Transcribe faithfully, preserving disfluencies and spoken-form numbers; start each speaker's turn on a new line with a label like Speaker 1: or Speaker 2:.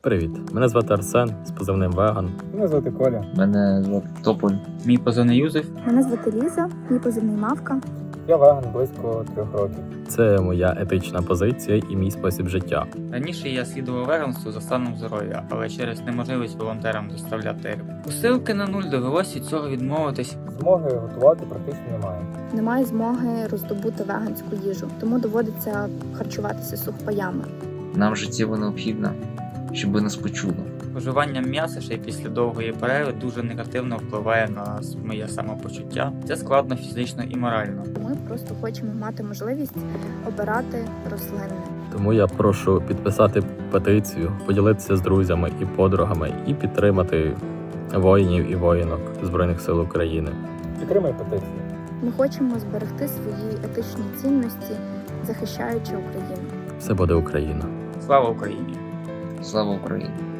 Speaker 1: Привіт, мене звати Арсен з позивним Веган.
Speaker 2: Мене звати Коля.
Speaker 3: Мене звати Тополь.
Speaker 4: Мій позивний Юзеф.
Speaker 5: Мене звати Ліза, мій позивний Мавка.
Speaker 2: Я веган близько трьох років.
Speaker 1: Це моя етична позиція і мій спосіб життя.
Speaker 4: Раніше я слідував веганству за станом здоров'я, але через неможливість волонтерам доставляти рибу. Посилки на нуль довелося від цього відмовитись.
Speaker 2: Змоги готувати практично немає.
Speaker 5: Немає змоги роздобути веганську їжу, тому доводиться харчуватися сухпаями.
Speaker 3: Нам життєво необхідно, щоб нас почули.
Speaker 4: Споживання м'яса ще й після довгої перерви дуже негативно впливає на моє самопочуття. Це складно фізично і морально.
Speaker 5: Ми просто хочемо мати можливість обирати рослинне.
Speaker 1: Тому я прошу підписати петицію, поділитися з друзями і подругами і підтримати воїнів і воїнок Збройних сил України.
Speaker 2: Підтримай петицію.
Speaker 5: Ми хочемо зберегти свої етичні цінності, захищаючи Україну.
Speaker 1: Все буде Україна.
Speaker 4: Слава Україні!
Speaker 3: Слава Україні!